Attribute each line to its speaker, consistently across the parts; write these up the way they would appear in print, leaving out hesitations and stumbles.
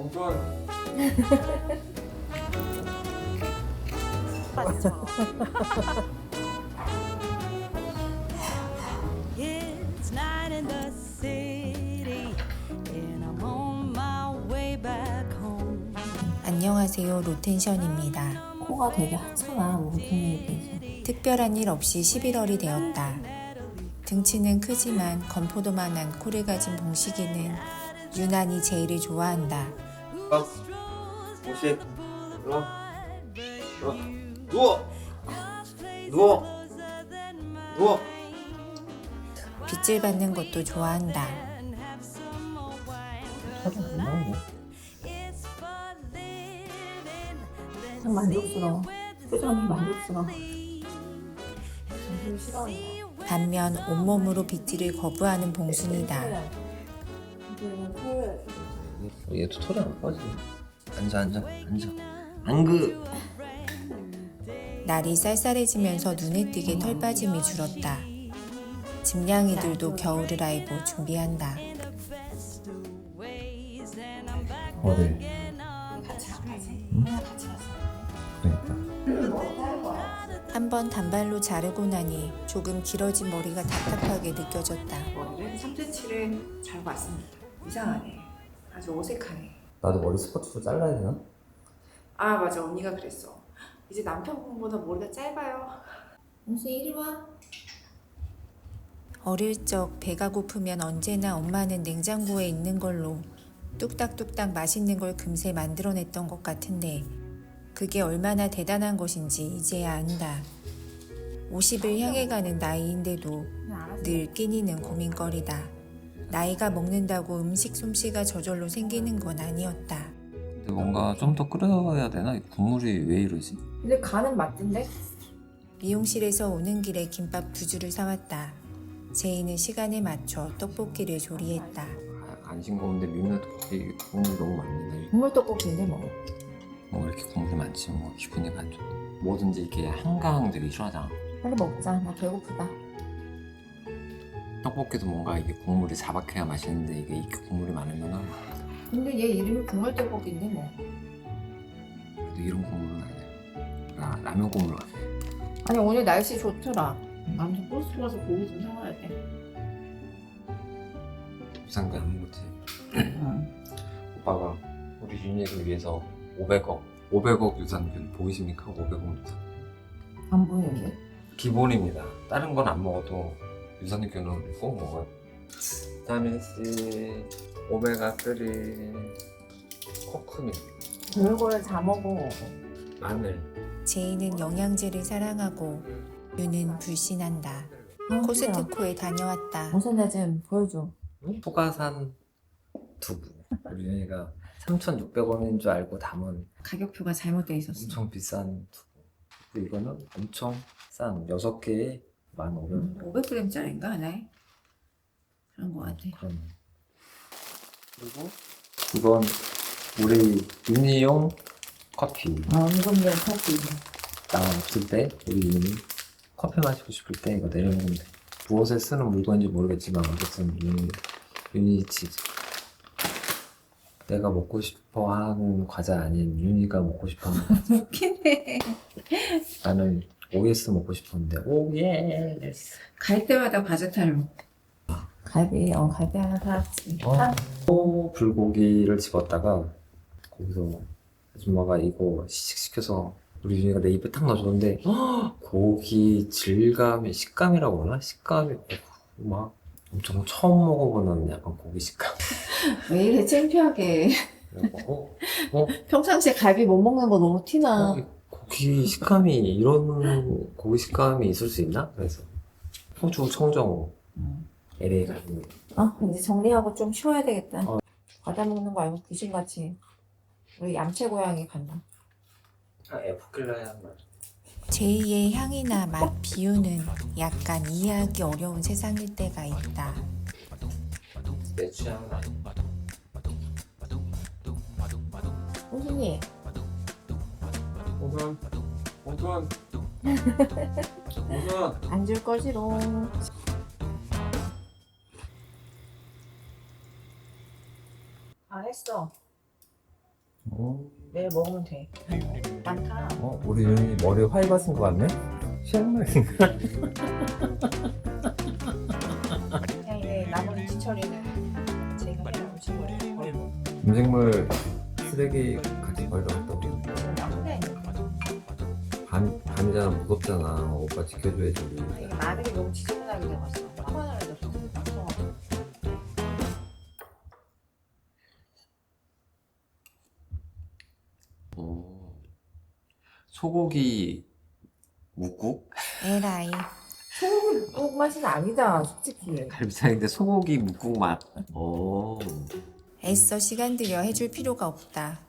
Speaker 1: 봉투원.
Speaker 2: 맞죠?
Speaker 3: It's night in the city and I'm on my way back home.
Speaker 4: 안녕하세요, 로텐션입니다.
Speaker 2: 코가 되게 하찮아, 뭉퉁이에 비해서.
Speaker 4: 특별한 일 없이 11월이 되었다. 등치는 크지만 건포도만한 코를 가진 봉식이는 유난히 제이를 좋아한다.
Speaker 1: 봉식, 일어나. 누워. 누워. 누워.
Speaker 4: 빗질 받는 것도 좋아한다.
Speaker 2: 자주 안 나오네. 참 만족스러워. 표정이 만족스러워. 정말 싫어한다.
Speaker 4: 반면 온몸으로 빗질을 거부하는 봉순이다.
Speaker 1: 얘도 털이 안 빠지네. 앉아. 안그.
Speaker 4: 날이 쌀쌀해지면서 눈에 띄게 털 빠짐이 줄었다. 집냥이들도 겨울을 알고 준비한다.
Speaker 1: 어디?
Speaker 2: 같이 가지. 같이 가자.
Speaker 1: 그러니까.
Speaker 4: 한 번 단발로 자르고 나니 조금 길어진 머리가 답답하게 느껴졌다.
Speaker 5: 머리를 3cm를 자르고 왔습니다. 이상하네. 아주 어색하네.
Speaker 1: 나도 머리 스커트로 잘라야 되나?
Speaker 5: 아 맞아, 언니가 그랬어. 이제 남편분보다 머리가 짧아요.
Speaker 2: 봉수 이리 와.
Speaker 4: 어릴 적 배가 고프면 언제나 엄마는 냉장고에 있는 걸로 뚝딱뚝딱 맛있는 걸 금세 만들어냈던 것 같은데 그게 얼마나 대단한 것인지 이제야 안다. 50을 향해 가는 나이인데도 늘 끼니는 고민거리다. 나이가 먹는다고 음식 솜씨가 저절로 생기는 건 아니었다.
Speaker 1: 근데 뭔가 좀 더 끓여야 되나? 이 국물이 왜 이러지?
Speaker 5: 근데 간은 맞던데?
Speaker 4: 미용실에서 오는 길에 김밥 2줄을 사왔다. 제이는 시간에 맞춰 떡볶이를 조리했다.
Speaker 1: 안 싱거운데 미는 떡볶이 국물이 너무 많네.
Speaker 5: 국물 떡볶이인데 뭐.
Speaker 1: 뭐 이렇게 국물이 많지 뭐 기분이 안 좋네. 뭐든지 이렇게 한강 되게 싫어하잖아.
Speaker 2: 빨리 먹자. 나 배고프다.
Speaker 1: 떡볶이도 뭔가 이게 국물이 자박해야 맛있는데 이게 이렇게 국물이 많으면은
Speaker 5: 근데 얘 이름이 국물 떡볶이인데 뭐.
Speaker 1: 그래도 이런 국물은 아니야. 라면 국물 같아.
Speaker 5: 아니 오늘 날씨 좋더라. 아무튼 버스 가서 고기 좀 사와야 돼.
Speaker 1: 비상금 하는 거지. 오빠가 우리 윤희를 위해서 500억 유산균 보이십니까? 500억 유산.
Speaker 2: 안 보이는데?
Speaker 1: 기본입니다. 다른 건 안 먹어도 유산균은 꼭 먹어요. 비타민 C, 오메가3, 코크민,
Speaker 2: 별거를 다 먹어.
Speaker 1: 마늘.
Speaker 4: 제이는 영양제를 사랑하고 유는 불신한다. 코스트코에 다녀왔다.
Speaker 2: 봉수 나좀 보여줘.
Speaker 1: 소가산 두부. 우리 윤희가 3,600원인 줄 알고 담은
Speaker 5: 가격표가 잘못돼 있었어.
Speaker 1: 엄청 비싼 두부. 그리고 이거는 엄청 싼 6개에 15,000원.
Speaker 5: 500g짜리인가 하나에? 그런 거 같아.
Speaker 1: 그런. 그리고 이건 우리 윤희용 커피.
Speaker 2: 임금님 커피.
Speaker 1: 나 없을 때 우리 윤희 커피 마시고 싶을 때 이거 내려놓으면 돼. 무엇에 쓰는 물건인지 모르겠지만 어쨌든 윤희 치즈. 내가 먹고 싶어 하는 과자 아닌 윤희가 먹고 싶어 하는 과자.
Speaker 5: 웃기네.
Speaker 1: 나는 OS 먹고 싶었는데 OS.
Speaker 5: 갈 때마다 과자 타령.
Speaker 2: 갈비 하나 사왔지.
Speaker 1: 불고기를 집었다가 거기서 아줌마가 이거 시식시켜서 우리 윤희가 내 입에 탁 넣어줬는데 고기 질감이 식감이라고 그러나? 식감이 막 엄청 처음 먹어보는 약간 고기 식감.
Speaker 5: 왜 이래 창피하게.
Speaker 1: 그래서
Speaker 5: 평상시에 갈비 못 먹는 거 너무 티나.
Speaker 1: 고기 식감이 이런 고기 식감이 있을 수 있나? 그래서 호주 청정호 LA 갈비.
Speaker 2: 이제 정리하고 좀 쉬어야 되겠다.
Speaker 1: 어.
Speaker 2: 과자 먹는 거 알고 귀신같이. 우리 얌체 고양이 갔나?
Speaker 1: 에프킬라야 말.
Speaker 4: 제이의 향이나 맛, 비유는 약간 이해하기 어려운 세상일 때가 있다.
Speaker 1: 내 취향은 아니야.
Speaker 2: 봉순이.
Speaker 1: 봉선.
Speaker 2: 안 줄 거지롱.
Speaker 5: 아 했어.
Speaker 2: 내일 먹으면 돼. 많다.
Speaker 1: 우리 윤이 머리 화이받은 거 같네? 시원하게.
Speaker 2: 그냥 이제 나머지 뒤처리는 제가 해야 음식을 버리고.
Speaker 1: 음식물 쓰레기 같이 버리러 갔다고.
Speaker 2: 나쁜데
Speaker 1: 밤이잖아, 무겁잖아. 오빠 지켜줘야지.
Speaker 2: 이게 마늘이 너무 지저분하게 돼갔어. 화가 나서 nak서가지고.
Speaker 1: 소고기 묵국?
Speaker 4: 에라이.
Speaker 2: 소고기 묵국 맛은 아니다, 솔직히.
Speaker 1: 갈비탕인데 소고기 묵국 맛.
Speaker 4: 애써 시간 들여 해줄 필요가 없다.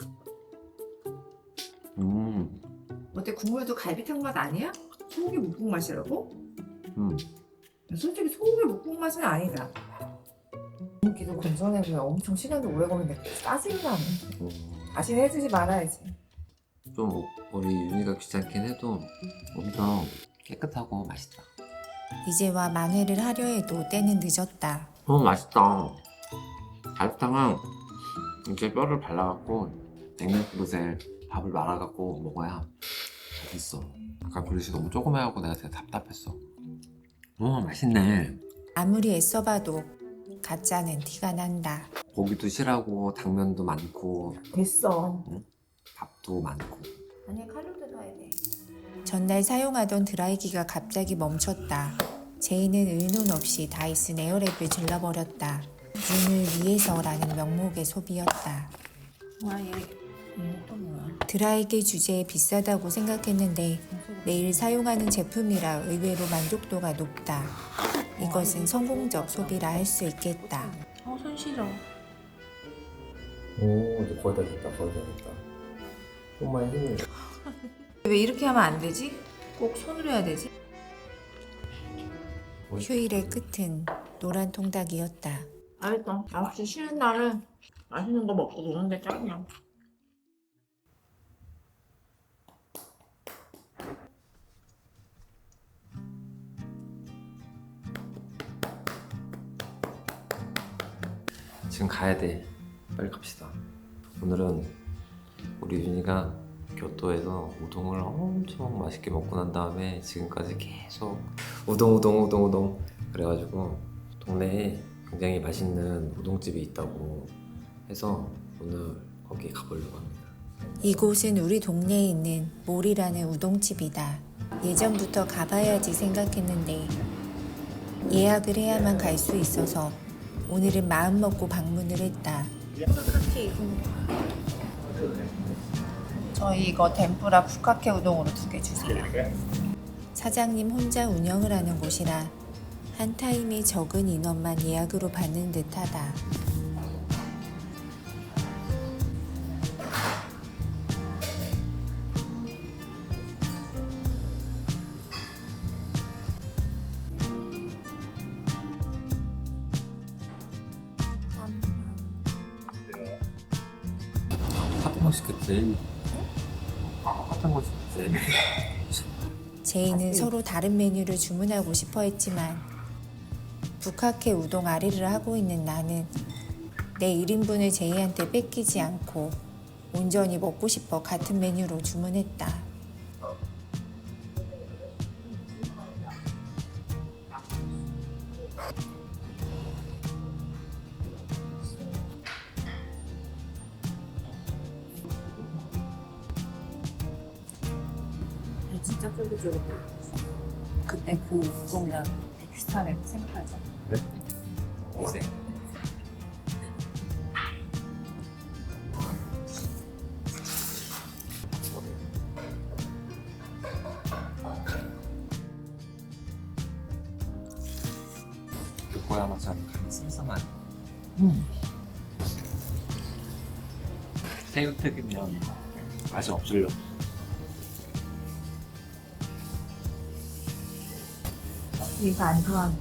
Speaker 2: 어때, 국물도 갈비탕 맛 아니야? 소고기 묵국 맛이라고? 솔직히 소고기 묵국 맛은 아니다. 기도 건져내고요. 엄청 시간도 오래 걸리는데 짜증이 나네. 다시 해주지 말아야지.
Speaker 1: 좀 우리 윤희가 귀찮긴 해도 엄청 깨끗하고 맛있다.
Speaker 4: 이제와 만회를 하려 해도 때는 늦었다.
Speaker 1: 맛있다. 갈비탕은 이렇게 뼈를 발라갖고 냉면 그릇에 밥을 말아갖고 먹어야 맛있어. 아까 그릇이 너무 조그매갖고 내가 되게 답답했어. 맛있네.
Speaker 4: 아무리 애써봐도 가짜는 티가 난다.
Speaker 1: 고기도 실하고 당면도 많고
Speaker 2: 됐어.
Speaker 1: 밥도 많고.
Speaker 2: 아니, 칼로도 넣어야 돼.
Speaker 4: 전날 사용하던 드라이기가 갑자기 멈췄다. 제이는 의논 없이 다이슨 에어랩을 질러버렸다. 윤을 위해서라는 명목의 소비였다.
Speaker 2: 와, 얘 또 뭐야?
Speaker 4: 드라이기 주제에 비싸다고 생각했는데 매일 사용하는 제품이라 의외로 만족도가 높다. 이것은 성공적 소비라 할 수 있겠다.
Speaker 2: 손 시려.
Speaker 1: 이제 거의 다 됐다. 거의 다 됐다. 좀만 힘을.
Speaker 2: 왜 이렇게 하면 안 되지? 꼭 손으로 해야 되지?
Speaker 4: 휴일의 끝은 노란 통닭이었다.
Speaker 2: 알겠다. 역시 쉬는 날은 맛있는 거 먹고 노는 게 짱이야.
Speaker 1: 지금 가야 돼. 빨리 갑시다. 오늘은 우리 윤희가 교토에서 우동을 엄청 맛있게 먹고 난 다음에 지금까지 계속 우동 그래가지고 동네에 굉장히 맛있는 우동집이 있다고 해서 오늘 거기 가보려고 합니다.
Speaker 4: 이곳은 우리 동네에 있는 몰이라는 우동집이다. 예전부터 가봐야지 생각했는데 예약을 해야만 갈 수 있어서 오늘은 마음먹고 방문을 했다.
Speaker 2: 저희 이거 덴푸라 부카케 우동으로 2개 주세요.
Speaker 4: 사장님 혼자 운영을 하는 곳이라 한 타임이 적은 인원만 예약으로 받는 듯하다.
Speaker 1: 핫한 거 시켰지. 핫한 거 시켰지.
Speaker 4: 제이는 서로 다른 메뉴를 주문하고 싶어 했지만 부카케 우동 아리를 하고 있는 나는 내 1인분을 제이한테 뺏기지 않고 온전히 먹고 싶어 같은 메뉴로 주문했다.
Speaker 2: 진짜 쫄깃쫄깃해. 그때 그 우동이랑 비슷하네 생각하자.
Speaker 1: 그래? 오세. 요코야마처럼 간이 슴슴한. 새우튀김면 맛이 없으려.
Speaker 2: 이거 안 좋아.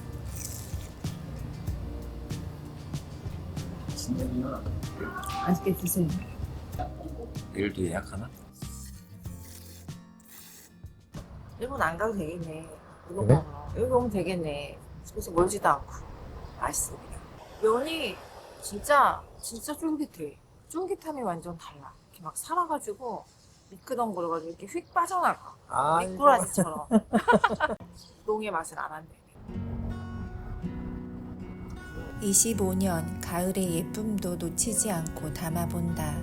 Speaker 2: 맛있게 드세요.
Speaker 1: 내일도 예약하나?
Speaker 2: 일본 안 가도 되겠네. 이거
Speaker 1: 그래?
Speaker 2: 먹으러. 여기 오면 되겠네. 집에서 멀지도 않고. 맛있어, 그냥. 면이 진짜 쫄깃해. 쫄깃함이 완전 달라. 이렇게 막 살아가지고 미끄덩거려가지고 이렇게 휙 빠져나가.
Speaker 1: 아,
Speaker 2: 미꾸라지처럼. 똥의 맛을 알았네.
Speaker 4: 25년 가을의 예쁨도 놓치지 않고 담아본다.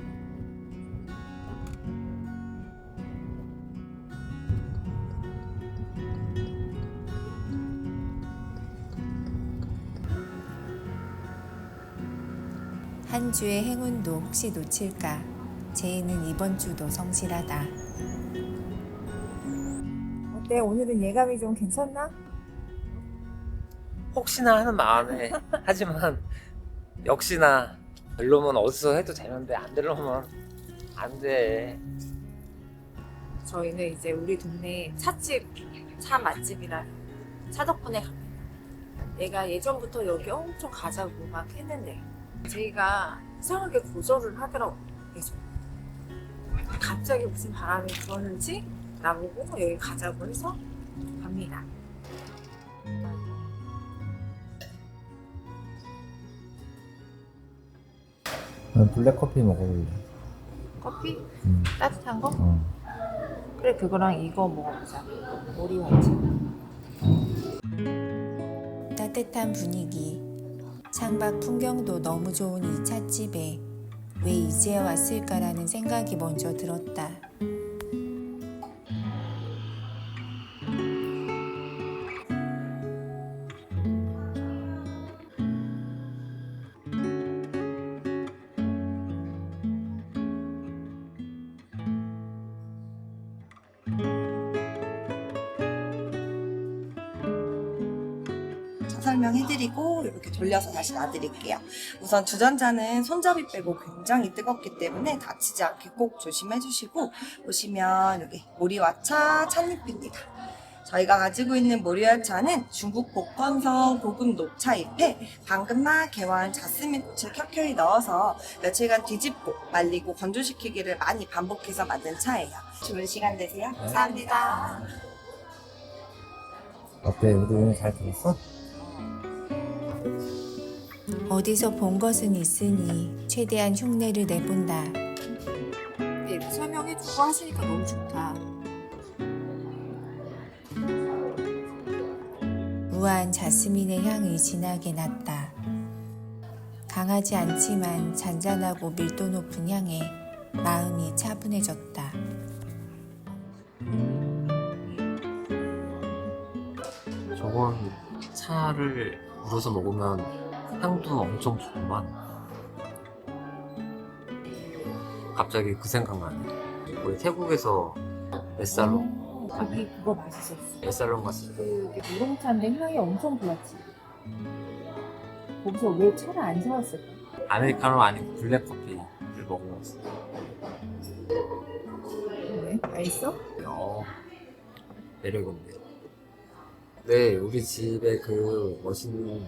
Speaker 4: 한 주의 행운도 혹시 놓칠까? 제이는 이번 주도 성실하다.
Speaker 2: 어때? 오늘은 예감이 좀 괜찮나?
Speaker 1: 혹시나 하는 마음에 하지만 역시나 별로면 어디서 해도 되는데 안 되려면 안 돼.
Speaker 2: 저희는 이제 우리 동네 찻집, 차 맛집이라 차 덕분에 갑니다. 내가 예전부터 여기 엄청 가자고 막 했는데 제이가 이상하게 거절을 하더라고. 계속. 갑자기 무슨 바람이 불었는지 나보고 여기 가자고 해서 갑니다.
Speaker 1: 블랙커피 먹어볼래.
Speaker 2: 커피?
Speaker 1: 음.
Speaker 2: 따뜻한 거? 그래, 그거랑 이거 먹어보자. 오리오이츠.
Speaker 4: 따뜻한 분위기, 창밖 풍경도 너무 좋은 이 찻집에 왜 이제 왔을까라는 생각이 먼저 들었다.
Speaker 6: 설명해드리고 이렇게 돌려서 다시 놔드릴게요. 우선 주전자는 손잡이 빼고 굉장히 뜨겁기 때문에 다치지 않게 꼭 조심해주시고 보시면 여기 모리와차 찻잎입니다. 저희가 가지고 있는 모리와차는 중국 복건성 고급 녹차 잎에 방금만 개화한 자스민꽃을 켜켜이 넣어서 며칠간 뒤집고 말리고 건조시키기를 많이 반복해서 만든 차예요. 좋은 시간 되세요. 감사합니다.
Speaker 1: 어때? 우리 오늘 잘 들었어?
Speaker 4: 어디서 본 것은 있으니 최대한 흉내를 내본다.
Speaker 2: 근데 이렇게 설명해주고 하시니까 너무 좋다.
Speaker 4: 우아한 자스민의 향이 진하게 났다. 강하지 않지만 잔잔하고 밀도 높은 향에 마음이 차분해졌다.
Speaker 1: 저건 차를 우려서 먹으면 향도 엄청 좋구만. 갑자기 그 생각나네. 우리 태국에서 에살롱
Speaker 2: 거기 그거 맛있었어.
Speaker 1: 에살롱 갔을 때
Speaker 2: 그게 우롱차인데 향이 엄청 좋았지. 거기서 왜 차를 안 사왔을까?
Speaker 1: 아메리카노 아니고 블랙커피를 먹어봤어.
Speaker 2: 왜? 맛있어?
Speaker 1: 매력있네. 네, 우리 집에 그 멋있는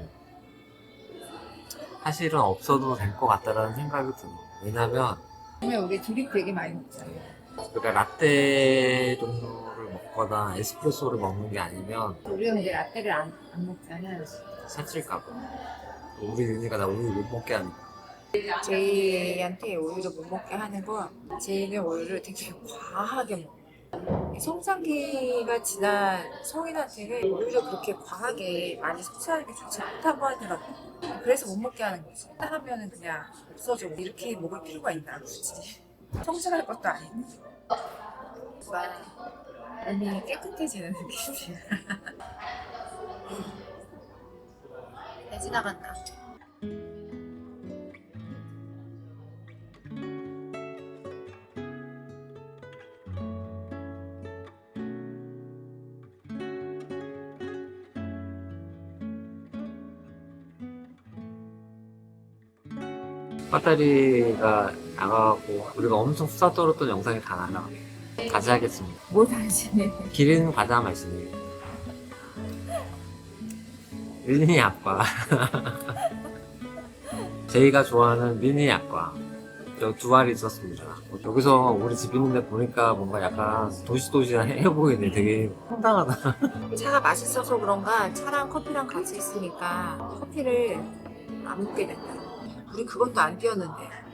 Speaker 1: 사실은 없어도 될 것 같다라는 생각이 들어. 왜냐면
Speaker 2: 그러면 우리 드립 되게 많이 먹잖아.
Speaker 1: 그러니까 라떼 정도를 먹거나 에스프레소를 먹는 게 아니면
Speaker 2: 우리는 이제 라떼를 안 먹잖아.
Speaker 1: 살찔까봐. 우리 윤희가 나 우유 못 먹게 하니까.
Speaker 2: 제이한테 우유를 못 먹게 하는 건 제이는 우유를 되게 과하게 먹어. 성장기가 지난 성인한테는 우유를 그렇게 과하게 많이 섭취하는 게 좋지 않다고 하더라고. 그래서 못 먹게 하는 거지. 하면은 그냥 없어져. 이렇게 먹을 필요가 있나 굳이. 성장할 것도 아닌데. 몸이 깨끗해지는 느낌이야. 배 지나간다.
Speaker 1: 배터리가 나가고 우리가 엄청 수다 떨었던 영상이 다 나가. 다시 하겠습니다.
Speaker 2: 뭐 다시 해.
Speaker 1: 기린 과자 맛이네. 미니 약과. 제이가 좋아하는 미니 약과. 여기 두 알이 있었습니다. 여기서 우리 집 있는데 보니까 뭔가 약간 도시도시해 보이네. 되게 황당하다.
Speaker 2: 차가 맛있어서 그런가 차랑 커피랑 같이 있으니까 커피를 안 먹게 된다. 우리 그것도 안 뛰었는데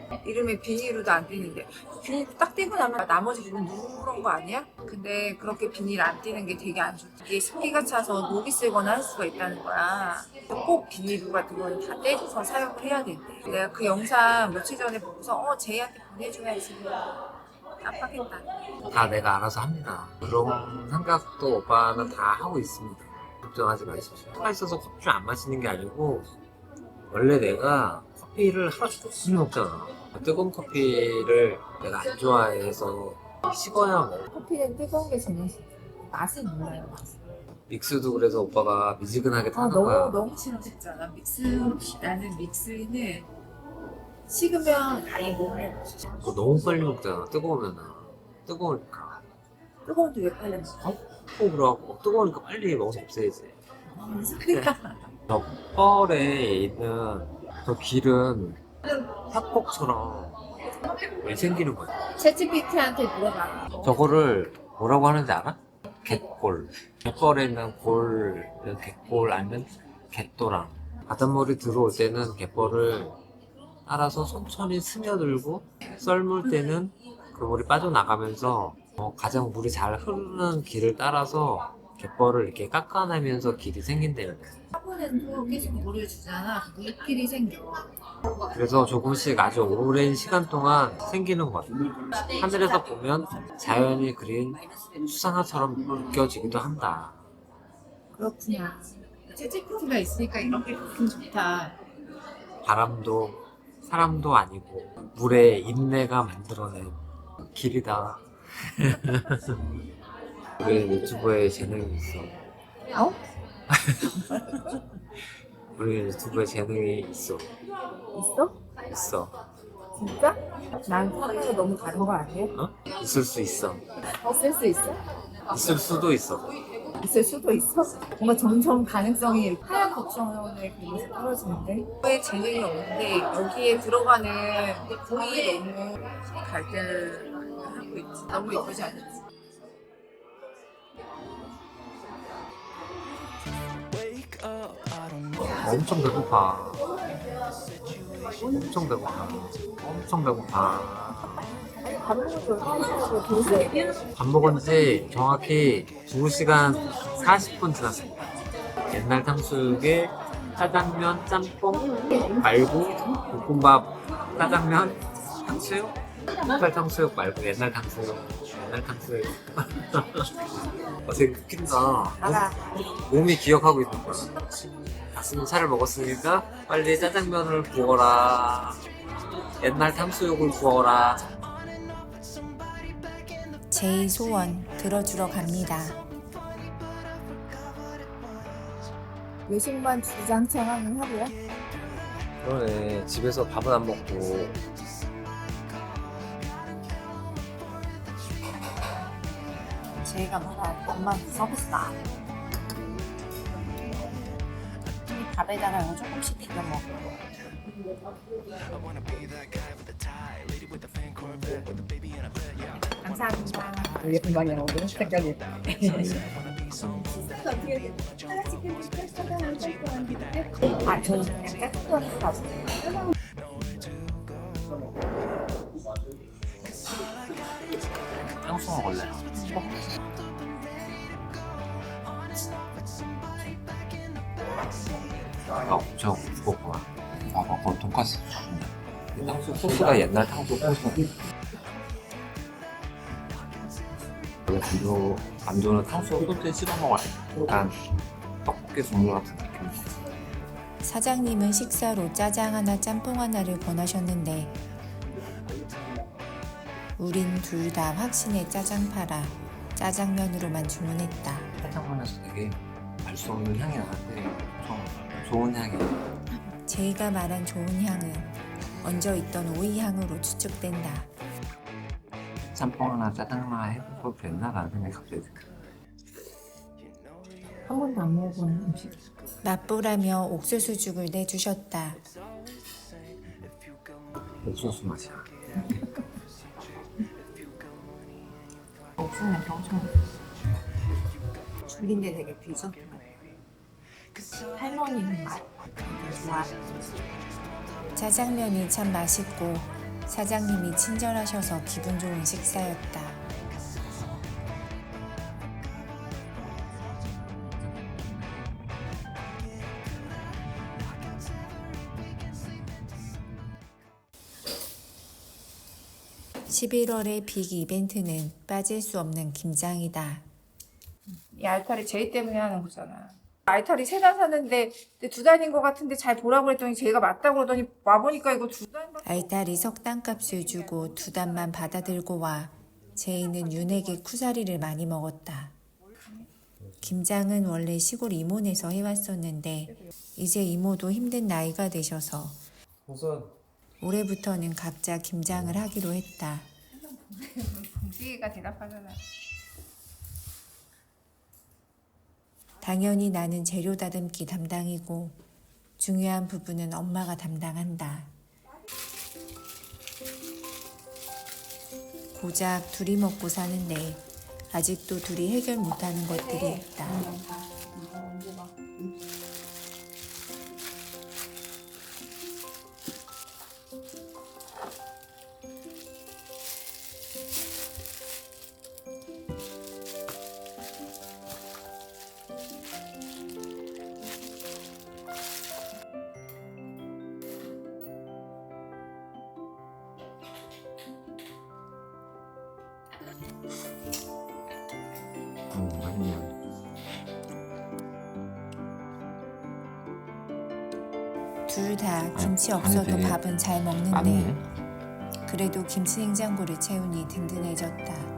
Speaker 2: 이름에 비닐로도 안 띄는데 비닐 딱 띄고 나면 나머지 부분 누런 거 아니야? 근데 그렇게 비닐 안 띄는 게 되게 안 좋다. 이게 습기가 차서 녹이 쓰거나 할 수가 있다는 거야. 꼭 비닐로 같은 건 다 떼줘서 사용을 해야 된대. 내가 그 영상 며칠 전에 보고서 제이한테 보내줘야지. 깜빡했다.
Speaker 1: 다 내가 알아서 합니다. 그런 생각도 오빠는 다 하고 있습니다. 걱정하지 마십시오. 차가 있어서 커피를 안 마시는 게 아니고 원래 내가 커피를 하루 종일 먹잖아. 뜨거운 커피를 내가 안 좋아해서 식어야 먹어.
Speaker 2: 커피는 뜨거운 게 제일 맛은 몰라요.
Speaker 1: 믹스도 그래서 오빠가 미지근하게 타는 거야.
Speaker 2: 너무 싫어졌잖아. 나는 믹스는 식으면 아예 못 먹어.
Speaker 1: 그거 너무 빨리 먹잖아. 뜨거우면은. 뜨거우니까.
Speaker 2: 뜨거운데 왜 빨리 먹어?
Speaker 1: 그러고 뜨거우니까 빨리 먹어서 없애야지.
Speaker 2: 무슨 소리야?
Speaker 1: 저 뻘에 있는 저 길은 협곡처럼 왜 생기는 거야?
Speaker 2: 챗GPT한테 물어봐.
Speaker 1: 저거를 뭐라고 하는지 알아? 갯골. 갯벌에 있는 골, 갯골 아니면 갯도랑. 바닷물이 들어올 때는 갯벌을 따라서 천천히 스며들고 썰물 때는 그 물이 빠져나가면서 가장 물이 잘 흐르는 길을 따라서 갯벌을 이렇게 깎아내면서 길이 생긴대요.
Speaker 2: 화분에도 계속 물을 주잖아. 물길이 생겨.
Speaker 1: 그래서 조금씩 아주 오랜 시간 동안 생기는 것 같아요. 하늘에서 보면 자연이 그린 수상화처럼 느껴지기도 한다.
Speaker 2: 그렇구나. 챗GPT가 있으니까 이런 게 좋다.
Speaker 1: 바람도 사람도 아니고 물의 인내가 만들어낸 길이다. 우리 유튜브에 재능이 있어.
Speaker 2: 어?
Speaker 1: 우리 유튜브에 재능이 있어.
Speaker 2: 있어?
Speaker 1: 있어.
Speaker 2: 진짜? 난 사람과 너무 다른 거 아니야?
Speaker 1: 어? 있을 수 있어.
Speaker 2: 있을 수 있어?
Speaker 1: 있을 수도 있어.
Speaker 2: 있을 수도 있어? 뭔가 점점 가능성이 하얀 걱정을 보면서 떨어지는데 왜 재능이 없는데 여기에 들어가는 공이 너무 갈등을 하고 있지. 너무 예쁘지 않지?
Speaker 1: 엄청 배고파. 엄청 배고파. 엄청 배고파.
Speaker 2: 밥 먹어도 하고 도시에
Speaker 1: 밥 먹은 지 정확히 2시간 40분 지났습니다. 옛날 탕수육에 짜장면, 짬뽕 말고 볶음밥, 짜장면, 탕수육? 흑발 탕수육 말고 옛날 탕수육. 옛날 탕수육. 되게 웃긴다.
Speaker 2: 알아.
Speaker 1: 몸이 기억하고 있는 거야. 닭슴살을 먹었으니까 빨리 짜장면을 구워라. 옛날 탕수육을 구워라.
Speaker 4: 제이 소원 들어주러 갑니다.
Speaker 2: 외식만 주장창 하는 하루야?
Speaker 1: 그러네. 집에서 밥은 안 먹고.
Speaker 2: 제이가 말한 엄마한테 서비스다. 밥에다가 이거 조금씩 비벼 먹어. 감사합니다.
Speaker 7: 예쁜 방이야 오늘 색깔이.
Speaker 2: 저는 그냥 깨끗한 거
Speaker 1: 탕수 먹을래? 아, 엄청 무겁구나. 봐봐, 거기 돈까스 주네. 탕수 소스가 옛날 탕수 소스. 원래 만두는 탕수 소스에 찍어 먹어야 돼. 약간 떡볶이 종류 같은 느낌.
Speaker 4: 사장님은 식사로 짜장 하나, 짬뽕 하나를 권하셨는데 우린 둘 다 확신에 짜장 팔아 짜장면으로만 주문했다.
Speaker 1: 짜장면에서 되게 알 수 없는 향이 나는데 엄청 좋은 향이야.
Speaker 4: 제이가 말한 좋은 향은 얹어 있던 오이 향으로 추측된다.
Speaker 1: 짬뽕 하나 짜장 하나 해볼 거 됐나? 라는 생각이 갑자기 들어.
Speaker 2: 한 번도 안 먹어본 음식.
Speaker 4: 맛보라며 옥수수죽을 내주셨다.
Speaker 1: 옥수수 맛이야.
Speaker 2: 옥수수 냄새 엄청 죽인데 되게 비죠? 할머니 맛 되게 좋아.
Speaker 4: 짜장면이 참 맛있고 사장님이 친절하셔서 기분 좋은 식사였다. (11월의) 빅 이벤트는 빠질 수 없는 김장이다.
Speaker 2: 이 알타리 제이 때문에 하는 거잖아. 알타리 3단 샀는데 2단인 것 같은데 잘 보라고 그랬더니 제이가 맞다고 그러더니 와보니까 이거 2단밖에
Speaker 4: 알타리 석단값을 주고 2단만 받아 들고 와 제이는 윤에게 쿠사리를 많이 먹었다. 김장은 원래 시골 이모네서 해왔었는데 이제 이모도 힘든 나이가 되셔서
Speaker 1: 우선
Speaker 4: 올해부터는 각자 김장을 하기로 했다.
Speaker 2: 봉지가 대답하잖아.
Speaker 4: 당연히 나는 재료 다듬기 담당이고 중요한 부분은 엄마가 담당한다. 고작 둘이 먹고 사는데 아직도 둘이 해결 못하는 것들이 있다.
Speaker 1: 맛있네요.
Speaker 4: 둘 다 김치 없어도
Speaker 1: 되게
Speaker 4: 밥은 잘 먹는데
Speaker 1: 맞네.
Speaker 4: 그래도 김치 냉장고를 채우니 든든해졌다.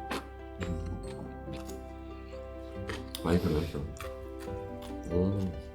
Speaker 1: 많이 들어있어. 오.